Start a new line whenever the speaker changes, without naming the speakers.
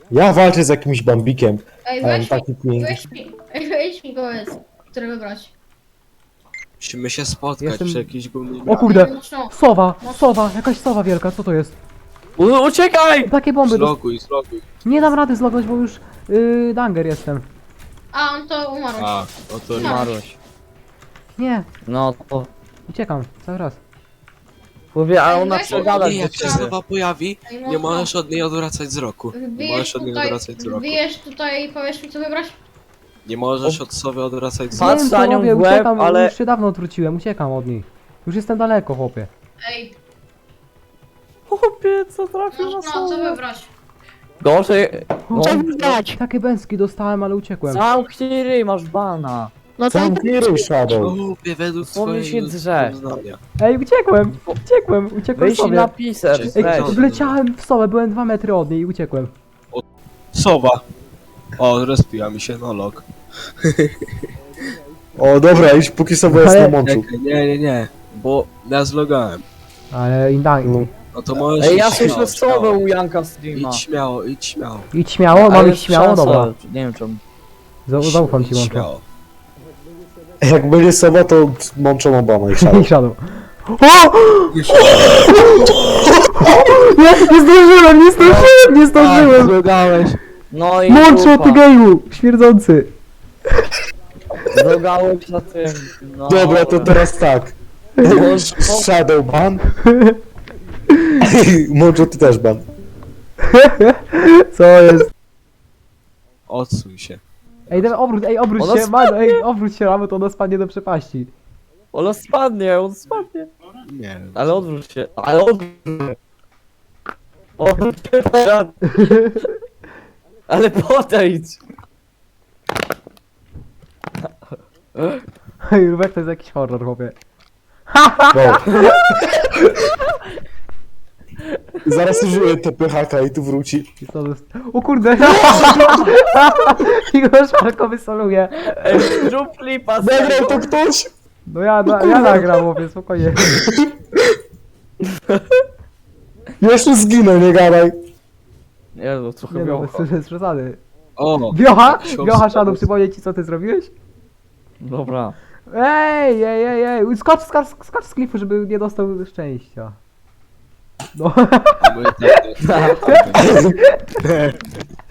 Ja walczę z jakimś bambikiem.
Ej,
Ale
weź
taki
mi,
piękny.
weź mi go jest, którego brać.
Musimy się spotkać
Jestem-
przy jakiejś głównej
O kurde,
Mocno.
sowa, jakaś sowa wielka, co to jest?
Uciekaj!
Takie bomby,
Zloguj.
nie dam rady zlogować, bo już danger jestem.
A, on to umarł.
A, no to
Umarłeś.
Nie,
No to...
uciekam, cały raz.
Mówię, a
Ej,
ona
weź-
przegada
nie,
do
jak się
ciebie.
znowu pojawi,
Ej,
nie
mocno.
możesz od niej odwracać wzroku. Nie
Wbijesz
możesz od niej
tutaj,
odwracać wzroku.
wbijesz tutaj i powiesz mi co wybrać?
Nie możesz od sobie odwracać
Nie
wzroku.
Patrz
wiem co
na nią
robię,
w łeb,
uciekam,
ale-
już się dawno odwróciłem, uciekam od niej. Już jestem daleko, chłopie.
Ej,
Chłopie, co trafił na
no co
sobie?
wybrać?
Gorzej... No,
Takie bęski dostałem, ale uciekłem.
zamknij ryj, masz bana.
Sam Kiry Shadow.
Głupie według
Słownie się
swojego
drze.
zdania.
Ej, uciekłem
Weź
sobie.
na piser,
Ej,
weź.
wleciałem w sobę, byłem 2 metry od niej i uciekłem.
Sowa. O, respiła mi się nolog.
O dobra, idź póki sobie jest
Ale-
na mączu.
Czekaj, nie, bo ja zlogałem.
Ale
No.
No to możesz
Ej, ja
iść
słyszę
śmiało,
słowę u Janka streama.
Idź śmiało, idź śmiało.
idź śmiało, mam
Ale
iść śmiało,
szansa,
dobra.
Nie wiem czemu.
Zaufam ci,
Idź
Mączo.
śmiało.
Jak będzie sowa, to mączą Obama i Shadow.
I Shadow. O! Nie zdążyłem!
Zlogałeś. No i
Mączo, ty
dupa.
geju! Śmierdzący!
Zlogałeś na tym. No.
Dobra, to teraz tak. Shadow ban. Mączo, ty też ban.
Co jest?
Odsuń się.
Ej, obróć
Ona
się, man,
spadnie.
obróć się, ramy, to ona spadnie do przepaści.
On spadnie.
Nie wiem.
Ale odwróć się, ale odwróć się. Odwróć się teraz. Ale podejdź.
Ej, Rubek, to jest jakiś horror, chłopie.
No. Zaraz użyję TPHK i tu wróci.
I co to jest? O kurde! I go szarko wysoluje.
Ej, zrób flipa.
Zagrał to ktoś?
No ja nagram, chłopie, spokojnie.
Jeszcze zginę, nie gadaj.
Nie no, trochę
Nie no,
miało.
bez przesady.
O!
Wiocha?
Ksiądz
Wiocha, Shadow,
Shadow.
przypomnieć ci, co ty zrobiłeś?
Dobra.
Ej! Skacz z klifu, żeby nie dostał szczęścia. No.
A my tak.